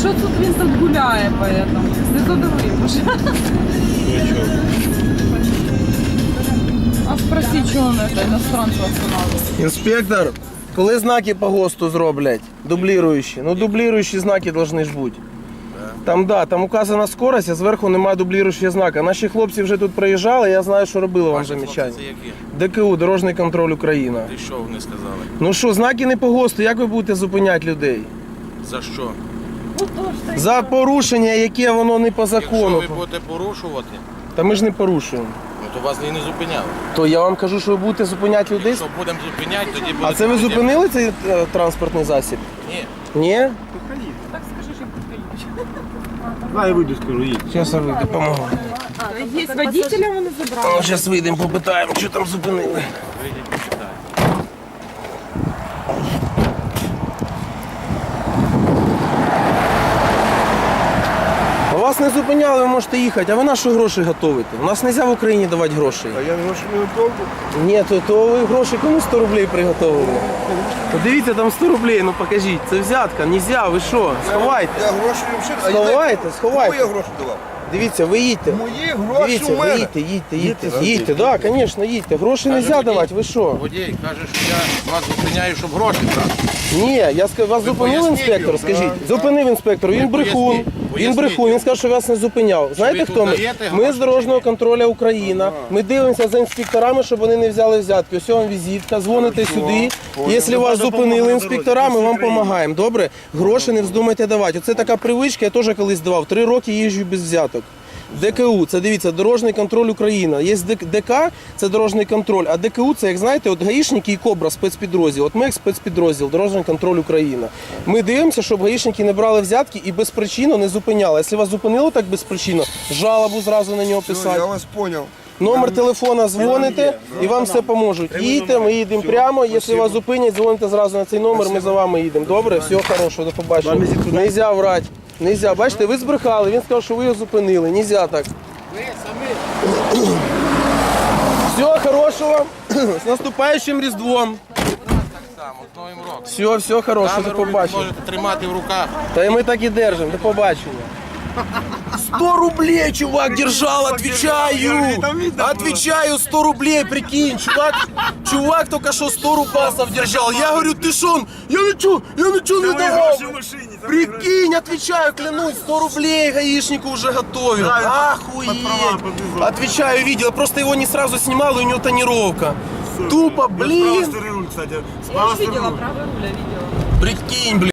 що тут він тут гуляє, поэтому не задавай, пожалуйста. А спроси, чого він це іностранців останавливає. Інспектор, коли знаки по ГОСТу зроблять, дубліруючі? Ну, дубліруючі знаки повинні ж бути. Там указана скорость, а зверху немає дубліруючого знака. Наші хлопці вже тут проїжджали, я знаю, що робили вам замічання. Це які? ДКУ, Дорожній контроль Україна. І що вони сказали? Ну що, знаки не по ГОСТу, як ви будете зупиняти людей? За що? За порушення, яке воно не по закону. Якщо ви будете порушувати, Та ми ж не порушуємо. ну то вас і не зупиняли. То я вам кажу, що ви будете зупиняти людей. Якщо будемо зупиняти, тоді буде... А це ви зупинили цей транспортний засіб? Ні. Ні? Так скажи, що поїдь. Дай я вийду, скажу, їдь. Зараз я вийду, допомогу. Є водителя, вони забрали. Зараз вийдемо, попитаємо, що там зупинили. Вийдіть, почитайте. Вас не зупиняли, ви можете їхати, а ви на що гроші готуєте? У нас не можна в Україні давати гроші. А я не можу не довго. Ні, то ви гроші кому 100 рублей приготовили? Дивіться, там 100 рублей, ну покажіть, це взятка, нельзя, ви що, сховайте. Я гроші взагалі. Сховайте, сховайте. Кому я гроші давав? Дивіться, ви їдьте. Мої гроші Дивіться, у ви мене. їдьте, так, звісно, їдьте. Гроші не можна давати, ви що? Водій каже, що я вас зупиняю, щоб гроші брати. Ні, я скажу, вас зупинив поясніть інспектор, йому, скажіть. Зупинив інспектор, він брехун. поясніть, Він поясніть брехун, йому. він сказав, що вас не зупиняв. Знаєте ви хто тут ми? даєте Ми гроші з дорожнього чи ні? контролю Україна. Ми дивимося за інспекторами, щоб вони не взяли взятки. Ось вам візитка, дзвоните сюди. Якщо вас зупинили інспектора, ми вам допомагаємо. Добре? Гроші не вздумайте давати. Оце така привичка, я теж колись давав. 3 роки їжджу без взяток. ДКУ, це дивіться, Дорожній контроль Україна. Є ДК, це дорожній контроль, а ДКУ це, як знаєте, от гаїшники і Кобра, спецпідрозділ. От ми як спецпідрозділ, Дорожній контроль Україна. Ми дивимося, щоб гаїшники не брали взятки і безпричинно не зупиняли. Якщо вас зупинило так безпричинно, жалобу зразу на нього писати. Я вас зрозумів. Номер телефона дзвоните і вам все поможуть. Їдьте, ми їдемо прямо. Якщо вас зупинять, дзвоните зразу на цей номер, ми за вами їдемо. Добре? Всього хорошого, до побачення. Нельзя врати. Нельзя. Бачите, ви збрехали, він сказав, що ви його зупинили. Нельзя так. Ви самі. Всього хорошого. З наступаючим Різдвом. Так само, з Новим роком. Все хорошого, до Камеру ви побачення. можете тримати в руках. Та і ми так і держимо, до побачення. 100 рублей, чувак, держал, отвечаю. Отвечаю, 100 рублей, прикинь, чувак только что 100 рубасов держал. Я говорю, ты шо? Я ничего не давал. Прикинь, отвечаю, клянусь, 100 рублей гаишнику уже готовил. Охуеть. Отвечаю, видел, просто его не сразу снимал, и у него тонировка. Тупо, блин. Руль, кстати. Я ж видела, правый руль, я видела. Прикинь, блин.